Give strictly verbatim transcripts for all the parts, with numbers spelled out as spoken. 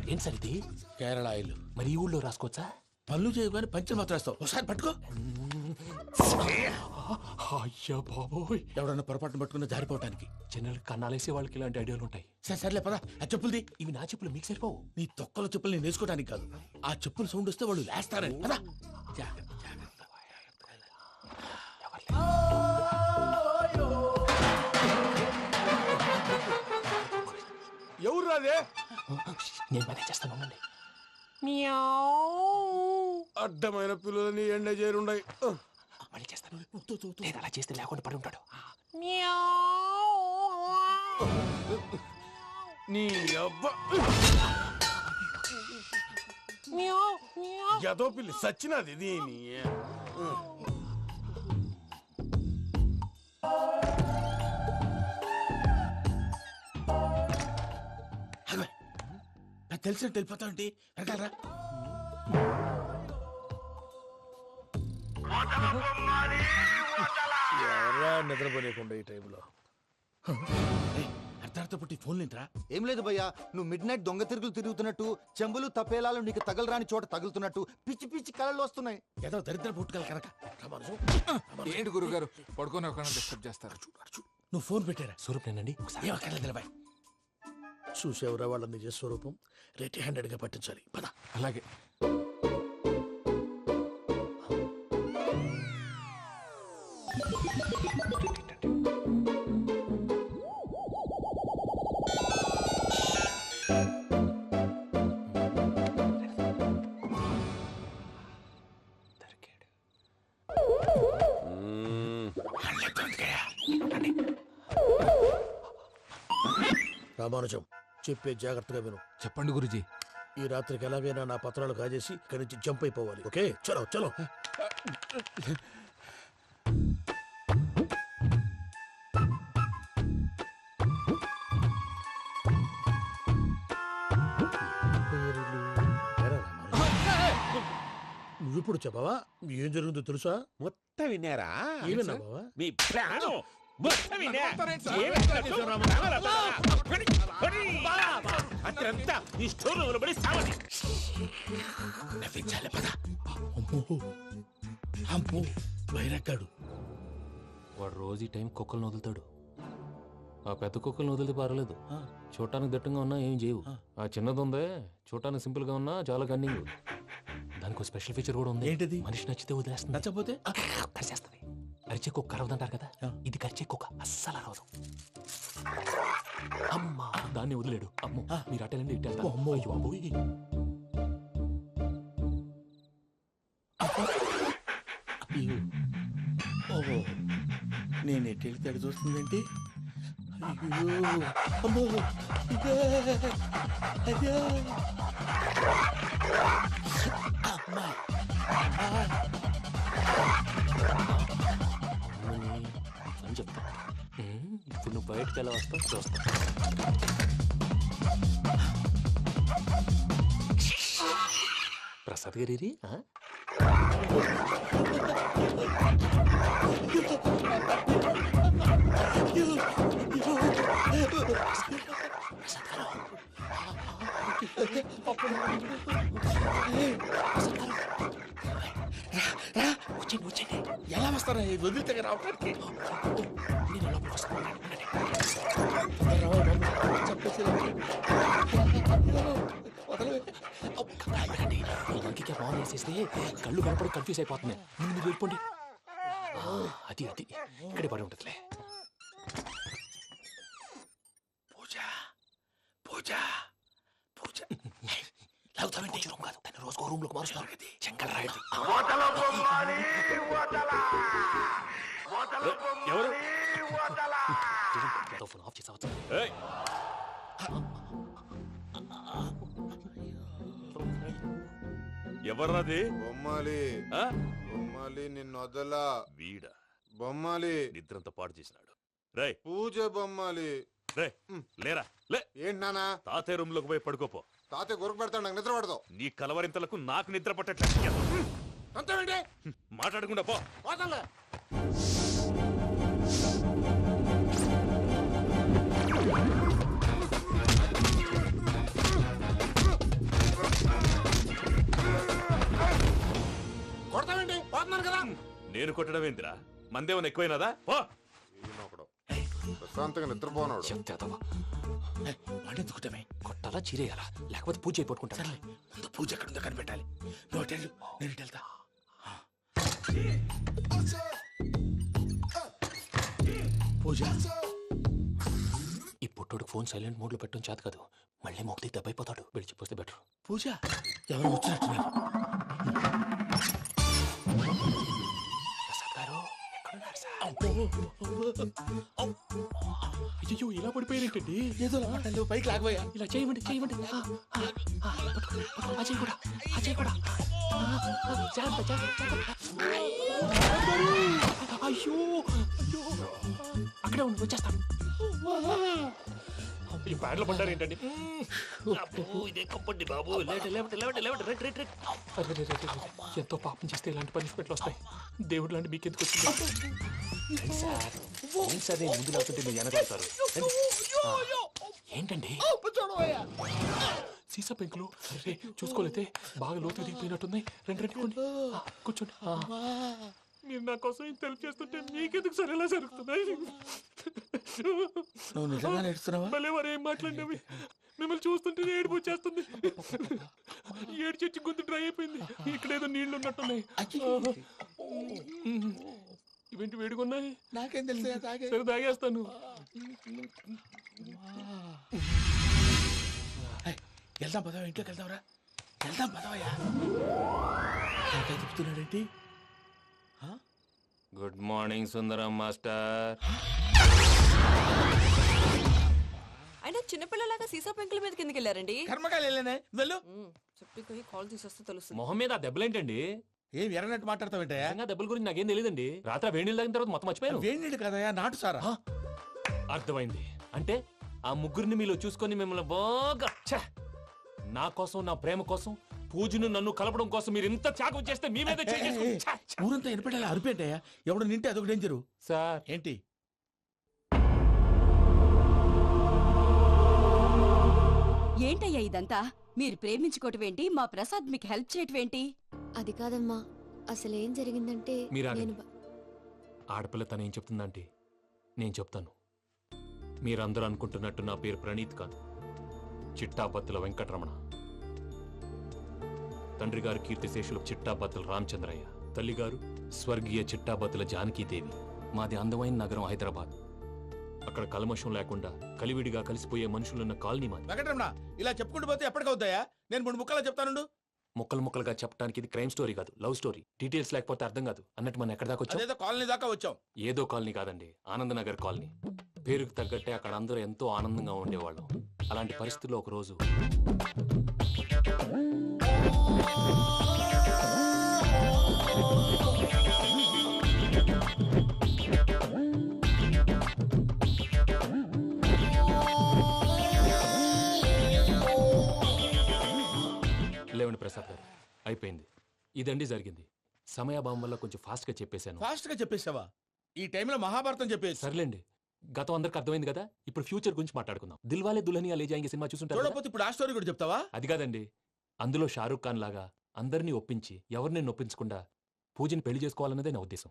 ఏం సార్ ఇది? కేరళ ఆయిల్. మరి ఈ ఊళ్ళో రాసుకోవచ్చా? పనులు చేయగానే పంచర్ మాత్రం వేస్తావు. ఒకసారి పట్టుకో. అయ్యా బాబోయ్, ఎవడన్నా పొరపాటున పట్టుకున్న జారిపోవటానికి. జనరల్ కన్నాలేసే వాళ్ళకి ఇలాంటి ఐడియాలు ఉంటాయి. సరే సర్లే పదా, ఆ చెప్పులది. ఇవి నా చెప్పులు, మీకు సరిపోవు. నీ తొక్కల చెప్పులు నేను వేసుకోవడానికి కాదు, ఆ చెప్పులు సౌండ్ వస్తే వాళ్ళు లేస్తారని. పదా. ఎవరు రాదే? నేను మేనేజ్ చేస్తాను, ఉండండి. అడ్డమైన పిల్లలని ఎండ చేరుండయి. మళ్ళీ చేస్తాను. లేదు, అలా చేస్తే లేకుండా పడి ఉంటాడు. నీ అబ్బ ఎదో పిల్లి సచ్చినది దీని. తెలిసినట్టు వెళ్ళిపోతా ఉంటే వెనకాలరా. ఎవరా నిద్రపోలేకుండా ఈ టైంలో? అర్ధార్థ పుట్టి ఫోన్ లేంట్రా. ఏం లేదు భయ్యా, నువ్వు మిడ్ నైట్ దొంగ తిరుగులు తిరుగుతున్నట్టు, చెంబులు తపేలాలు నీకు తగలరాని చోట తగులుతున్నట్టు పిచ్చి పిచ్చి కళలు వస్తున్నాయి. ఏదో దరిద్ర పుట్టుకల కనుక. ఏంటి గురుగారు పడుకొని ఒక డిస్టర్బ్ చేస్తారు? నువ్వు ఫోన్ పెట్టారా? స్వరూప్ నేనండి. ఏం అక్కర్లేదు నిలబాయ్. చూసేవరా వాళ్ళ నిజ స్వరూపం. రెట్టి హ్యాండెడ్ గా పట్టించాలి. పద. అలాగే. రామానుజం, చెప్పే జాగ్రత్తగా విను. చెప్పండి గురుజీ. ఈ రాత్రికి ఎలాగైనా నా పత్రాలు కాజేసి ఇక్కడి నుంచి జంప్ అయిపోవాలి. ఓకే, చలో చలో. నువ్విప్పుడు చెప్పవా ఏం జరుగుతుందో తెలుసా? మొత్తం విన్నారా? ఏమన్నా బావా? మీ ప్రాణం మొత్తం విన్నా. అత్రంతా ఈ స్టోర్ రూమ్ లో పడి సావని. నవ్వించాలి. పద. అమ్మో అమ్మో వైరక్కాడు. వాడు రోజు ఈ టైం కుక్కలను వదులుతాడు. ఆ పెద్ద కుక్కలను వదిలితే పర్లేదు, చూడటానికి దట్టంగా ఉన్నా ఏం చేయవు. ఆ చిన్నది ఉందే, చూడటానికి సింపుల్ గా ఉన్నా చాలా కన్నింగ్. దానికి స్పెషల్ ఫీచర్ కూడా ఉంది. ఏంటిది? మనిషి నచ్చితే వదిలేస్తుంది, నచ్చపోతే కరిచేస్తుంది. అరిచే కుక్క అరవదంటారు కదా, ఇది కరిచే కుక్క అస్సలు అరవదు. అమ్మా, దాన్ని వదిలేడు. అమ్మో, మీరు అటెండి ఇట్టేస్తారు. అమ్మో. అయ్యో అబ్బోయ్. ఓహో, నేను ఎట్టి తడి చూస్తుందేంటి? అయ్యో అమ్మో, ఇదే అదే అమ్మా. అని చెప్తా. ఇప్పుడు నువ్వు బయటకు ఎలా వస్తావు చూస్తా. ప్రసాద్ గారి వచ్చేయండి వచ్చేయండి. ఎలా వస్తారా వదిలితే రావడానికి? నేను లోపలికి వస్తాను. ఇంకే బాగా వేసేస్తే కళ్ళు కనపడి కన్ఫ్యూజ్ అయిపోతున్నాయి. ముందు మీరు వెళ్ళిపోండి. అది అది ఇక్కడే పడి ఉంటుందిలే. పూజ పూజ పూజ లాగుతామంటే రూమ్ కాదు, దాన్ని రోజుకో రూమ్ లోకి మారుస్తారు. చెంకల్ రాయడం. ఎవరు? ఫోన్ ఆఫ్ చేసావచ్చు. ఎవర్రాది? బొమ్మాలి బొమ్మాలి నిన్ను వదలా. వీడ బొమ్మాలి నిద్రంతా పాడు చేసినాడు. రే పూజ బొమ్మాలి. రే లేరా లే. ఏంటి నానా? తాతయ్య రూమ్ లోకి పోయి పడుకోపో. తాతయ్య గురకు పెడతాడు, నాకు నిద్ర పడతావు. నీ కలవరింతలకు నాకు నిద్ర పట్టట్లేదు. అంతేంటి? మాట్లాడకుండా పో. పోతాలే. నేను కొట్టడం ఏందిరా మందేమన్నా ఎక్కువైనదా పో ఈయనొకడు. ప్రశాంతంగా నిద్రపోనాడు చెప్తేదవా వాడిని ఎందుకుంటామే కొట్టాలా చీరేయాలా లేకపోతే పూజ అయిపోట్టుకుంటా సర్లే ముందు పూజ ఎక్కడ ఉందో కనిపెట్టాలి నువ్వు అటు వెళ్ళు, నేను ఇటు వెళ్తా పూజ ఈ పుట్టోడు ఫోన్ సైలెంట్ మోడ్ లో పెట్టడం చేత కాదు మళ్ళీ మొక్కి దెబ్బైపోతాడు విడిచిపోతే బెటర్. పూజ ఎవరు వచ్చినట్టున్నారు ప్రసాద్ గారు ఎక్కడున్నారు సార్? అయ్యో ఇలా పడిపోయారేంటండి ఏదో మాటలు పైకి లాగబోయా ఇలా చేయమండి చేయమండి ఆ, ఆ, ఆ, పట్టుకో, పట్టుకో, అజయ్ కూడా అజయ్ కూడా ఆ, ఆ, జాగ్రత్త, జాగ్రత్త, జాగ్రత్త. అయ్యో అయ్యో అక్కడే ఉండి వచ్చేస్తాను. ఈ బ్యాడ్లో పడ్డారు ఏంటండి? ఇదే కప్పండి బాబు లేవండి, లేవండి, లేవండి, లేవండి, రైట్, రైట్, రైట్. అరే, రే, రే, రే, రే. ఎంతో పాపం చేస్తే ఇలాంటి పనిష్మెంట్లు వస్తాయి. దేవుడు లాంటి మీకు ఎందుకు వచ్చింది? రండి సార్, రండి సార్, నేను ముందు లేకుంటే మీరు వెనకాడతారు. రండి. ఆ, ఏంటండి సీసా పెంకులు? అరే చూసుకోలేతే బాగా లోతుకు దిగిపోయినట్టున్నాయి. రెండు రెండు కొన్ని ఆ, కూర్చోండి. ఆ. మీరు నా కోసం ఇంత హెల్ప్ చేస్తుంటే మీకెందుకు సరే ఎలా జరుగుతున్నాయి? నువ్వు నిజంగా నేర్చుతున్నావా మళ్ళీ వారు ఏం మాట్లాడినవి మిమ్మల్ని చూస్తుంటే ఏడుపు వచ్చేస్తుంది. ఏడు చెట్టు గొంతు డ్రై అయిపోయింది. ఇక్కడ ఏదో నీళ్లు ఉన్నట్టున్నాయి. ఇవేంటి వేడుకున్నాయి? నాకేం తెలుసు తాగే సరే తాగేస్తాను. వెళ్దాం పదవా ఇంట్లోకి వెళ్దాంరా వెళ్దాం పదవయ్యా చెప్తున్నాడేంటి గుడ్ మార్నింగ్ సుందరం మాస్టర్. అయినా చిన్నపిల్లలాగా సీసా పెంకుల మీద కిందకి వెళ్ళారండి. కర్మకాయలు వెళ్ళానే వెళ్ళు చెప్పి పోయి కాల్ తీసేస్తే తెలుస్తుంది. మొహం మీద ఆ దెబ్బలేంటండి? ఏం ఎర్రనట్టు మాట్లాడతావేంటయ్యా నిజంగా దెబ్బల గురించి నాకేం తెలియదండి. రాత్రి వేడి నీళ్ళు తాగిన తర్వాత మొత్తం మర్చిపోయాను. వేడి కదయ్యా నాటు సారా అర్థమైంది. అంటే ఆ ముగ్గురిని మీలో చూసుకొని మిమ్మల్ని బాగా ఛే! నా కోసం నా ప్రేమ కోసం పూజను నన్ను కలపడం కోసం మీరు ఇంత త్యాగం చేస్తే మీ మీద చేయి చేసుకుని ఛే! ఛే! ఊరంతా ఎనపెట్టాలి అరిపేంటయ్యా ఎవడు నింటే అదొక డేంజరు సార్ ఏంటి ఏంటయ్యా ఇదంతా? మీరు ప్రేమించుకోవటం ఏంటి? మా ప్రసాద్ మీకు హెల్ప్ చేయటం ఏంటి? అది కాదమ్మా అసలేం జరిగిందంటే మీరు నేను ఆగండి. ఆడపిల్ల తను ఏం చెప్తుందంటే నేను చెప్తాను. మీరందరూ అనుకుంటున్నట్టు నా పేరు ప్రణీత్ కాదు, చిట్టాబత్తుల వెంకటరమణ. తండ్రి గారు కీర్తిశేషులు చిట్టాబత్తుల రామచంద్రయ్య, తల్లిగారు స్వర్గీయ చిట్టాబత్తుల జానకీదేవి. మాది అందమైన నగరం హైదరాబాద్. అక్కడ కల్మషం లేకుండా కలివిడిగా కలిసిపోయే మనుషులున్న కాలనీ మాది. వెంకటరమణ ఇలా చెప్పుకుంటూ పోతే ఎప్పటికవుతాయా నేను మూడు ముక్కలా చెప్తానుండు ముక్కలు ముక్కలుగా చెప్పడానికి ఇది క్రైమ్ స్టోరీ కాదు, లవ్ స్టోరీ. డీటెయిల్స్ లేకపోతే అర్థం కాదు. అన్నట్టు మనం ఎక్కడ దాకా వచ్చాం? అదేదో కాలనీ దాకా వచ్చాం ఏదో కాలనీ కాదండి, ఆనందనగర్ కాలనీ. పేరుకు తగ్గట్టే అక్కడ అందరూ ఎంతో ఆనందంగా ఉండేవాళ్ళం. అలాంటి పరిస్థితుల్లో ఒక రోజు లేవండి ప్రసాద్ గారు, అయిపోయింది. ఇదండి జరిగింది. సమయాభావం వల్ల కొంచెం ఫాస్ట్ గా చెప్పేశాను. ఫాస్ట్ గా చెప్పేసావా? ఈ టైంలో మహాభారతం చెప్పేసి సర్లేండి, గతం అందరికి అర్థమైంది కదా. ఇప్పుడు ఫ్యూచర్ గురించి మాట్లాడుకుందాం. దిల్వాలే దుల్హనియా లే జాయేంగే సినిమా చూసుంటారు కదా? చూడకపోతే ఇప్పుడు ఆ స్టోరీ కూడా చెప్తావా? అది కాదండి, అందులో షారూక్ ఖాన్ లాగా అందరినీ ఒప్పించి ఎవరిని నొప్పించకుండా పూజని పెళ్లి చేసుకోవాలన్నదే నా ఉద్దేశం.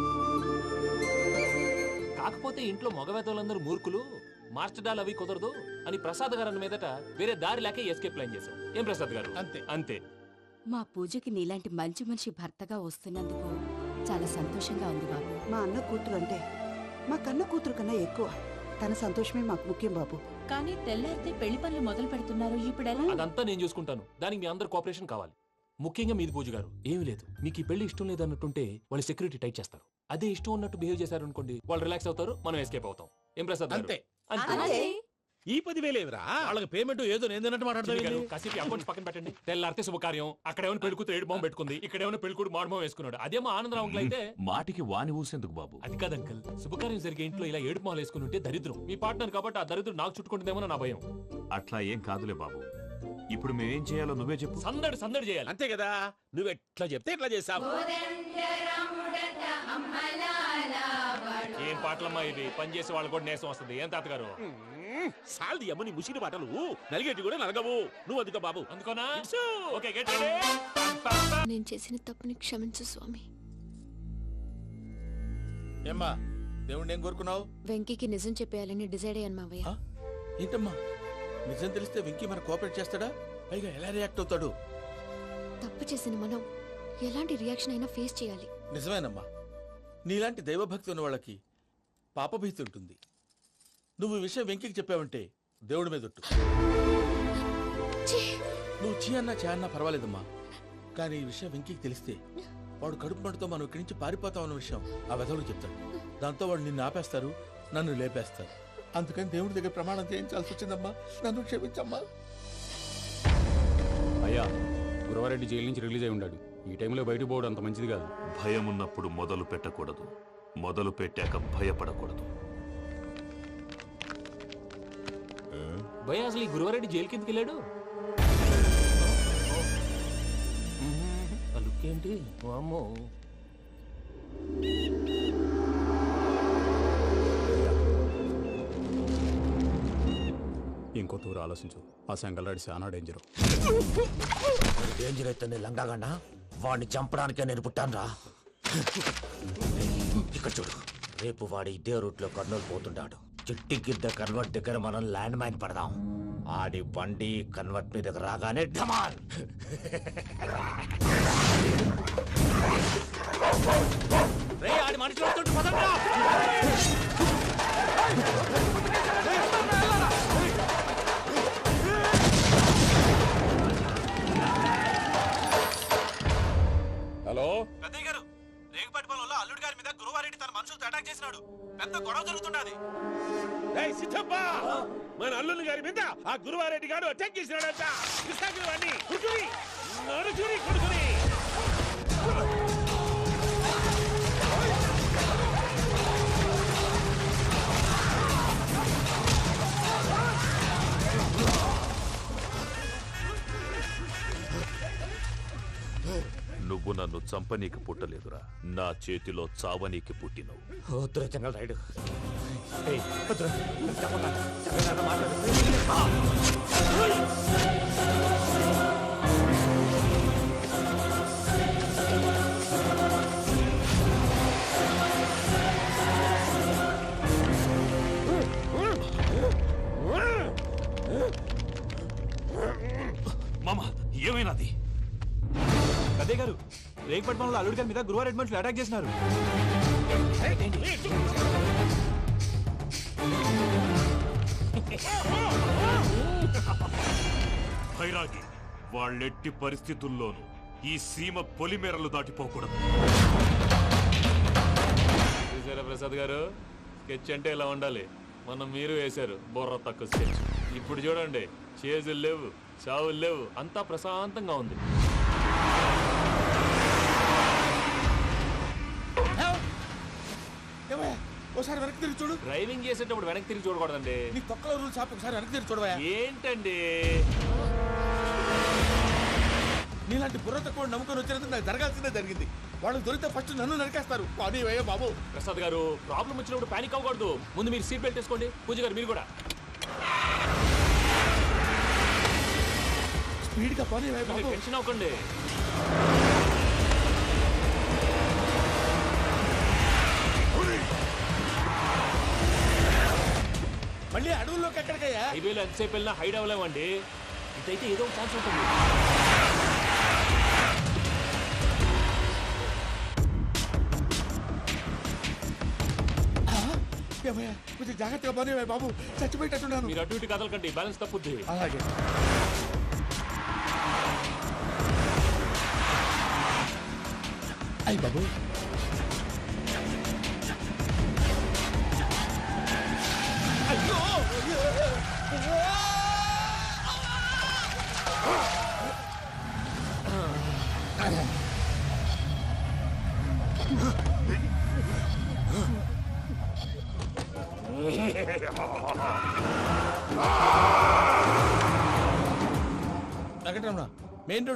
కాకపోతే ఇంట్లో మగవేతలందరూ మూర్ఖులు, మార్చడాలు అవి కుదరదు అని ప్రసాద్ గారు అన్న మీదట వేరే దారి లేక ఎస్కేప్ ప్లాన్ చేశాం. ఏం ప్రసాద్ గారు? అంతే అంతే. మా పూజకి నీలాంటి మంచి మనిషి భర్తగా వస్తున్నందుకు చాలా సంతోషంగా ఉంది బాబు. మా అన్న కూతురు అంటే మా కన్న కూతురు కన్నా ఎక్కువ. తన సంతోషమే మాకు ముఖ్యం బాబు. కానీ తెల్లారితే పెళ్లి పనులు మొదలు పెడుతున్నారు, ఇప్పుడు ఎలా? అదంతా నేను చూసుకుంటాను. దానికి మీ అందరు కోఆపరేషన్ కావాలి. ముఖ్యంగా మీది పూజ గారు. ఏమీ లేదు, మీకు ఈ పెళ్లి ఇష్టం లేదు అన్నట్టుంటే వాళ్ళు సెక్యూరిటీ టైట్ చేస్తారు. అదే ఇష్టం ఉన్నట్టు బిహేవ్ చేశారు అనుకోండి, వాళ్ళు రిలాక్స్ అవుతారు, మనం ఎస్కేప్ అవుతాం. ఏం ప్రసాద్ గారు? అంతే. అంతే. ఈ పదివేలేవరా వాళ్ళకి పేమెంట్ ఏదో నేందన్నట్టు చిన్ని గారు, మాట్లాడతాను కాసేపు అకౌంట్స్ పక్కన పెట్టండి. తెల్లారితే శుభకార్యం, అక్కడేమైనా పెళ్లి కూతురు ఏడు బాంబు పెట్టుకుంది, ఇక్కడేమైనా పెళ్లి కూతురు మాడు బాంబు వేసుకున్నాడు. అదేమో ఆనందరావు అంకుల్ అయితే మాటికి వాని ఊసేందుకు బాబు? అది కాదు అంకుల్, శుభకార్యం జరిగే ఇంట్లో ఇలా ఏడు మాలు వేసుకుని ఉంటే దరిద్రం. మీ పార్ట్నర్ కాబట్టి ఆ దరిద్రం నాకు చుట్టుకుంటుందేమో నా భయం. అట్లా ఏం కాదులే బాబు. ఇప్పుడు మేమేం చేయాలో నువ్వే చెప్పు. సందడి సందడి చేయాలి. అంతే కదా నువ్వు ఎట్లా చెప్తే ఎట్లా చేసావు. ఏం పాటలమ్మా ఇవి? పని చేసే వాళ్ళు కూడా నేసం వస్తుంది. ఏం తాతగారు? సాల్ది అమ్మని ముసిరి మాటలు నలిగేటి కూడా నలగవు. నువ్వు అందుకో బాబు. అందుకోనా? Okay, get ready. నేను చేసిన తప్పుని క్షమించు స్వామి. ఏమ్మా దేవుణ్ణి ఏం కోరుకున్నావు? వెంకీకి నిజం చెప్పేయాలని డిసైడ్ అయ్యాను మావయ్య. ఆ? ఏంటమ్మా నిజం తెలిస్తే వెంకీ మన కోఆపరేట్ చేస్తాడా? పైగా ఎలా రియాక్ట్ అవుతాడు? తప్పు చేసిన మనం ఎలాంటి రియాక్షన్ అయినా ఫేస్ చేయాలి. నిజమేనమ్మా, నీలాంటి దైవభక్తి ఉన్న వాళ్ళకి పాపభీతి ఉంటుంది. నువ్వు ఈ విషయం వెంకీకి చెప్పావంటే దేవుడి మీద ఒట్టు. ఛీ! నువ్వు చీ అన్నా చే అన్నా పర్వాలేదమ్మా, కానీ ఈ విషయం వెంకీకి తెలిస్తే వాడు కడుపు మంటతో మనం ఇక్కడి నుంచి పారిపోతాం అన్న విషయం ఆ వెధవుడు చెప్తాడు. దాంతో వాడు నిన్ను ఆపేస్తారు, నన్ను లేపేస్తారు. అందుకని దేవుడి దగ్గర ప్రమాణం చేయించాల్సి వచ్చిందమ్మా. నన్ను క్షమించమ్మా. అయ్యా, గురవారెడ్డి జైలు నుంచి రిలీజ్ అయి ఉన్నాడు. ఈ టైంలో బయటకు పోవడం అంత మంచిది కాదు. భయం ఉన్నప్పుడు మొదలు పెట్టకూడదు, మొదలు పెట్టాక భయపడకూడదు. భయ అసలు ఈ గురువారెడ్డి జైలు కిందకి వెళ్ళాడు. ఆ లుక్ ఏంటి? అమ్మో, ఇంకో తూరు ఆలోచించు. ఆ సంగల్రాడి చాలా డేంజర్. డేంజర్ అయితే లంగాగండ వాడిని చంపడానికే నేను పుట్టాను రా. ఇక్కడ చూడు, రేపు వాడి ఇదే రూట్ లో కర్నూలు పోతుంటాడు. చిట్టి గిద్ద కన్వర్ట్ దగ్గర మనం ల్యాండ్ మైన్ పడదాం. ఆడి బండి కన్వర్ట్ మీద రాగానే ఢమాన్. రే ఆడి మనుషులు వస్తుంటే పదండ్రా. హలో పెద్దయ్య గారు, రేగుపాటి పొలంలో అల్లుడి గారి మీద గురువారెడ్డి తన మనుషులతో అటాక్ చేసినాడు. పెద్ద గొడవ జరుగుతున్నది. మన అల్లుడి గారి మీద ఆ గురువారెడ్డి గారు అటాక్ చేసినాడంట. నువ్వు నన్ను చంపనీకి పుట్టలేదురా, నా చేతిలో చావనీకి పుట్టినవు. వద్దురా చెంగల్ రైడు. మామ, ఏమైనాది? పెద్దయ్య గారు, రేగుపాటి పొలంలో అల్లుడి గారి మీద గురువారెడ్డి మనుషులు అటాక్ చేసినారు. భైరాగి, వాళ్ళెట్టి పరిస్థితుల్లోనూ ఈ సీమ పొలిమేరలు దాటిపోకూడదు. చూసారా ప్రసాద్ గారు, స్కెచ్ అంటే ఇలా ఉండాలి. మనం మీరు వేశారు బుర్ర తక్కువ స్కెచ్. ఇప్పుడు చూడండి, చేజులు లేవు, చావులు లేవు, అంతా ప్రశాంతంగా ఉంది. ఒకసారి వెనక్కి తిరిగి చూడు. డ్రైవింగ్ చేసేటప్పుడు వెనక్కి తిరిగి చూడకూడదండి. నీ తొక్కలో రూల్స్ ఆపి ఒకసారి వెనక్కి తిరిగి చూడవా. ఏంటండి నీలాంటి బుర్ర తక్కువ నమ్ముకొని వచ్చినందుకు నాకు జరగాల్సిందే జరిగింది. వాళ్ళు దొరికితే ఫస్ట్ నన్ను నరికేస్తారు. కానీ అయ్యో బాబు. ప్రసాద్ గారు, ప్రాబ్లం వచ్చినప్పుడు పానిక్ అవ్వకూడదు. ముందు మీరు సీట్ బెల్ట్ వేసుకోండి. పూజ గారు మీరు కూడా స్పీడ్ గా పని బాబు. టెన్షన్ అవ్వకండి. మళ్ళీ అడవుల్లోకి ఎక్కడికయ్యా? హైవేలో ఎంతసేపు వెళ్ళినా హైడ్ అవ్వలేమండి. ఇదైతే ఏదో ఒక ఛాన్స్ ఉంటుంది. కొంచెం జాగ్రత్తగా పని బాబు, చచ్చిపోయేటట్టున్నాను. మీరు అటు ఇటు కదలకండి, బ్యాలెన్స్ తప్పుద్ది. అలాగే. అయ్యి బాబు, అయ్యో వెంకటరమణ, మెయిన్ రోడ్